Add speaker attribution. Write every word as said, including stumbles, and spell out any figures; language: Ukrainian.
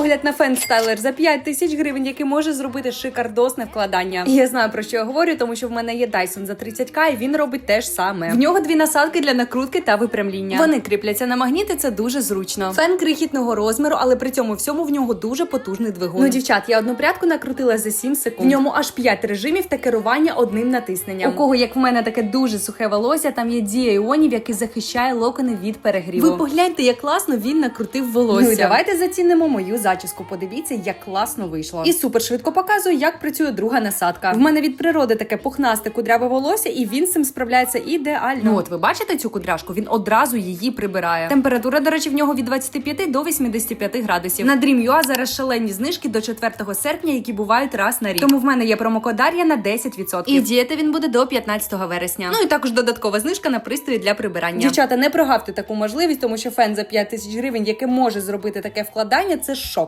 Speaker 1: Огляд на фен-стайлер за п'ять тисяч гривень, який може зробити шикардосне вкладання. І я знаю, про що я говорю, тому що в мене є Dyson за тридцять ка, і він робить те ж саме. В нього дві насадки для накрутки та випрямління. Вони кріпляться на магніти, це дуже зручно. Фен крихітного розміру, але при цьому всьому в нього дуже потужний двигун. Ну, дівчат, я одну прядку накрутила за сім секунд. В ньому аж п'ять режимів та керування одним натисненням. У кого, як в мене, таке дуже сухе волосся, там є дія іонів, який захищає локони від перегріву. Ви погляньте, як класно він накрутив волосся. Ну і давайте зацінимо мою зачіску. Подивіться, як класно вийшло. І супер швидко показую, як працює друга насадка. В мене від природи таке пухнасте кудряве волосся, і він з цим справляється ідеально. Ну от ви бачите цю кудряшку? Він одразу її прибирає. Температура, до речі, в нього від двадцяти п'яти до вісімдесяти п'яти градусів. На Dream.ua зараз шалені знижки до четвертого серпня, які бувають раз на рік. Тому в мене є промокод Дар'я на десять відсотків. І діяти він буде до п'ятнадцятого вересня. Ну і також додаткова знижка на пристрої для прибирання. Дівчата, не прогавте таку можливість, тому що фен за п'ять тисяч гривень, яке може зробити таке вкладання, це шок.